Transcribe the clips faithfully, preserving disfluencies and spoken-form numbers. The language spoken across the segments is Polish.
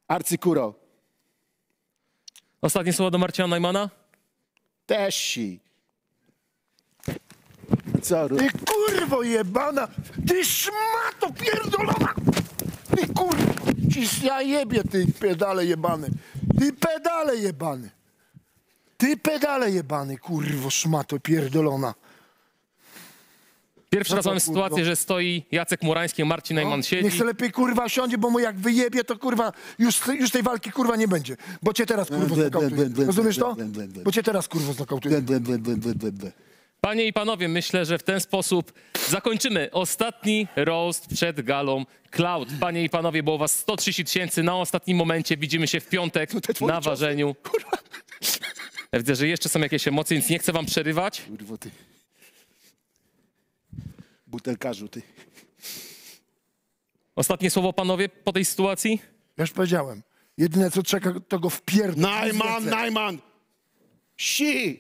Arcykuro. Ostatnie słowo do Marcina Najmana? Też si. Co? Ty kurwo jebana! Ty szmato pierdolona! Ty kurwo! Ciś ja jebie, ty pedale jebany! Ty pedale jebany! Ty pedale jebany, kurwo szmato pierdolona! Pierwszy No raz to, mamy kurwa. sytuację, że stoi Jacek Murański, Marcin Najman siedzi. Niech se lepiej kurwa siądzie, bo mu jak wyjebie, to kurwa już, już tej walki kurwa nie będzie. Bo cię teraz kurwo znokautuję. Rozumiesz to? Bo cię teraz kurwo znokautuję. Panie i panowie, myślę, że w ten sposób zakończymy ostatni roast przed galą Cloud. Panie i panowie, było was sto trzydzieści tysięcy na ostatnim momencie. Widzimy się w piątek na ważeniu. Ja widzę, że jeszcze są jakieś emocje, więc nie chcę wam przerywać. Kurwo ty. Butelkarzu ty. Ostatnie słowo, panowie, po tej sytuacji? Ja już powiedziałem. Jedyne co czeka, to go wpierdol. Najman, Najman! Si!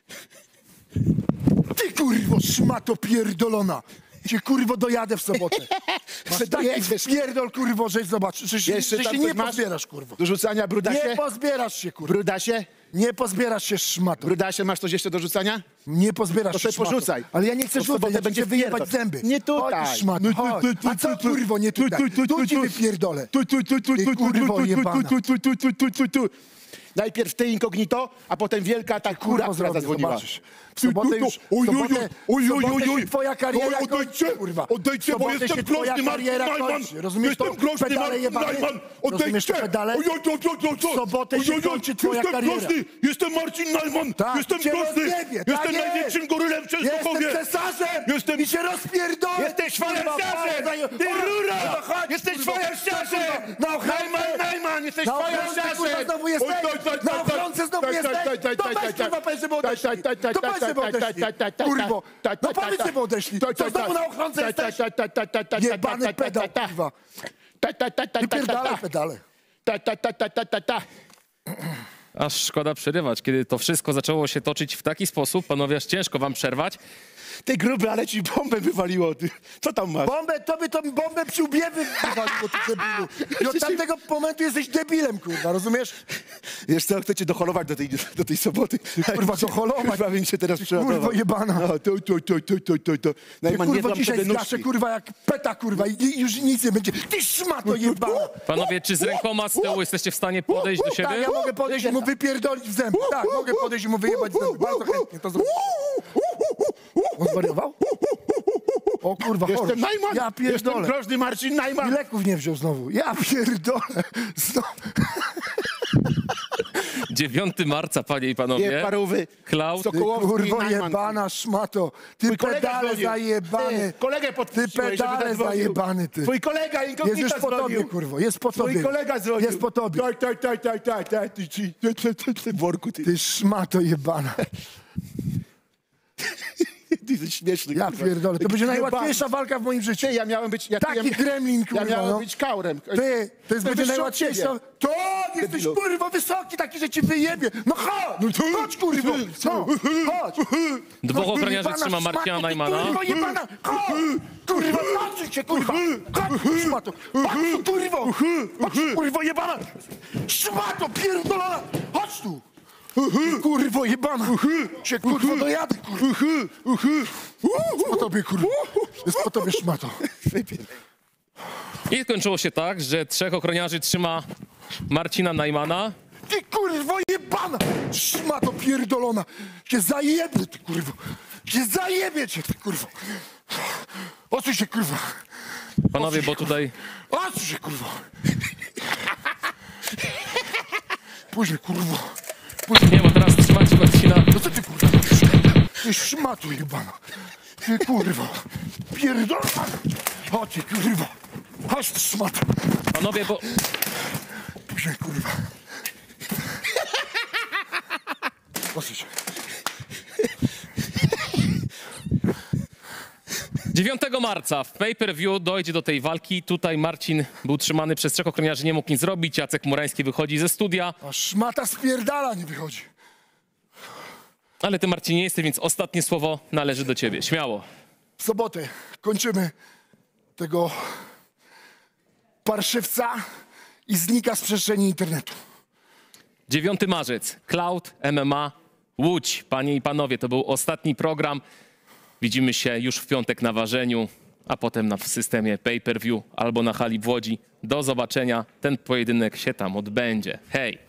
Ty kurwo szmato pierdolona! Cię kurwo dojadę w sobotę. Masz taki dojedziesz. pierdol kurwo, że zobacz, że, się- Jeszcze że tam się nie coś masz? pozbierasz kurwo. Do rzucania brudasie? Nie pozbierasz się kurwo. Brudasie? Nie pozbierasz się szmato. Brudasie, masz coś jeszcze do rzucania? Nie pozbierasz To się sobie szmato. porzucaj. Ale ja nie chcę To w sobotę rzucać, ja będzie będzie wyjebać wpierdol. zęby. Nie tutaj. Chodź szmato, chodź. A co kurwo nie tutaj? Tu ci wypierdolę. Ty kurwo jebana. Najpierw ty incognito, a potem wielka ta kura, Kurwa która zrobię, zadzwoniła. zobaczysz. W sobotę już, w sobotę, w sobotę się twoja kariera kończy, kurwa. Odejdźcie, W bo sobotę jestem się twoja groźny, Marcin kariera Najman. kończy. Rozumiesz to? Jestem groźny, Pedale Marcin jebane. Najman. Rozumiesz to Odejdźcie. pedale? Oj, oj, oj, oj, oj, W sobotę się oj, oj, kończy twoja jestem kariera. groźny, jestem Marcin Najman. Tak, Jestem cię groźny. rozjebie, tak Jestem jest. największym gorylem w Częstochowie. Jestem cesarzem Jestem- i się rozpierdolę. Jesteś kurwa, fajersiarzem! bardzo- Ty O, rura! no chodź, Jesteś kurwa. fajersiarzem! Na ochronę. Najman, Najman, jesteś Na ochronce, fajersiarzem! kurwa, znowu jesteś! Oj, oj, oj, Na oj, ochronce znowu oj, jesteś! oj, oj, To oj, weź, oj, kurwa, powiedz, żeby odeszli! oj, oj, oj, To weź, żeby oj, odeszli! oj, oj, oj, Kurwo! oj, No oj, powiedz, oj, żeby odeszli! oj, Co oj, znowu oj, na ochronce oj, jesteś? oj, oj, oj, oj, Jebany oj, pedał, oj, oj, kurwa! Ta, ta, ta, ta, ta, Wypierdalaj ta, pedale! ta, ta, ta, ta, ta, ta, ta. Aż szkoda przerywać, kiedy to wszystko zaczęło się toczyć w taki sposób. Panowie, aż ciężko wam przerwać. Ty gruby, ale ci bombę wywaliło. Ty. Co tam masz? Bombę, tobie to bombę przy łbie wywaliło, ty debilu! I od tamtego momentu jesteś debilem, kurwa, rozumiesz? Wiesz co, chcę cię doholować do tej, do tej soboty. kurwa, doholować? Kurwa, bym się teraz przeładował. Kurwo jebana! No, to, to, to, to, to, to, to. Ty, Najman, nie kurwa, dam dzisiaj sobie zgaszę, nóżki. kurwa, jak peta, kurwa, i i już nic nie będzie. Ty szmato jebana! Panowie, czy z rękoma z tyłu jesteście w stanie podejść do Tak, siebie? ja mogę podejść i mu wypierdolić w zęby. Tak, mogę podejść i mu wyjebać w zęby. Bardzo chętnie to zrobię. On zwariował? O kurwa, Jestem chory. Najman! Ja Jestem pierdolę. groźny Marcin I Najman! leków nie wziął znowu. Ja pierdolę. Znowu. dziewiątego marca, panie i Nie, panowie. parówy. Cloud. Ty Sokołowski, kurwo Najman. jebana szmato. Ty Twój kolega pedale dzwonił. zajebany. Ty, kolegę Ty podpuściłeś, żeby pedale zadzwonił. zajebany, ty. Twój kolega Jest inkognito już po tobie, dzwonił. kurwo. Jest po Twój tobie. kolega dzwonił. Jest po tobie. Tak, tak, tak, tak, tak, tak. Ty, ty, ty, ty, ty, ty, worku, ty. Ty szmato jebana. Ty jesteś śmieszny, Ja kurwa. pierdolę. To Taki będzie jebany. najłatwiejsza walka w moim życiu. Ty, ja miałem być... Ja, Taki ja, gremlin, kurwa, Ja miałem no. być kaurem. Ty, to jest Jestem będzie wyższy od najłatwiejsza. ciebie. To jesteś Debilu. kurwa wysoki taki, że ci wyjebie. No chodź, chodź kurwa. No, chodź. Dwóch ochroniarzy Jebana trzyma Marcina szmato, ty, Najmana. Kurwa jebana. Chodź. Kurwa, patrz się kurwa. Chodź szmato. Chodź tu kurwo. Chodź tu kurwo jebana. Szmato pierdolona. Chodź tu. Ty, kurwo jebana. Cię kurwo dojadę kurwa. Jest po tobie kurwa. Jest po tobie szmato. I skończyło się tak, że trzech ochroniarzy trzyma Marcina Najmana. Ty kurwo jebana! Szmato pierdolona! Cię zajebie, ty kurwo! Cię zajebie cię, ty kurwo! Odsuń się, kurwa! Panowie, bo tutaj Odsuń się, kurwo! Później, kurwo! nie, bo teraz trzymacie Marcina. No co ty, kurwa, robisz? Ty szmato jebana! Ty kurwo! Pierdolona! Chodź, ty, kurwo! Chodź, ty szmato! Panowie, bo Później, kurwa! Odsuń się! dziewiątego marca w pay-per-view dojdzie do tej walki. Tutaj Marcin był trzymany przez trzech ochroniarzy, nie mógł nic zrobić. Jacek Murański wychodzi ze studia. A szmata spierdala nie wychodzi! Ale ty, Marcin, nie jesteś, więc ostatnie słowo należy do ciebie. Śmiało. W sobotę kończymy tego parszywca i znika z przestrzeni internetu. dziewiąty marzec, Cloud M M A Łódź. Panie i panowie, to był ostatni program. Widzimy się już w piątek na ważeniu, a potem na, w systemie pay-per-view albo na hali w Łodzi. Do zobaczenia. Ten pojedynek się tam odbędzie. Hej!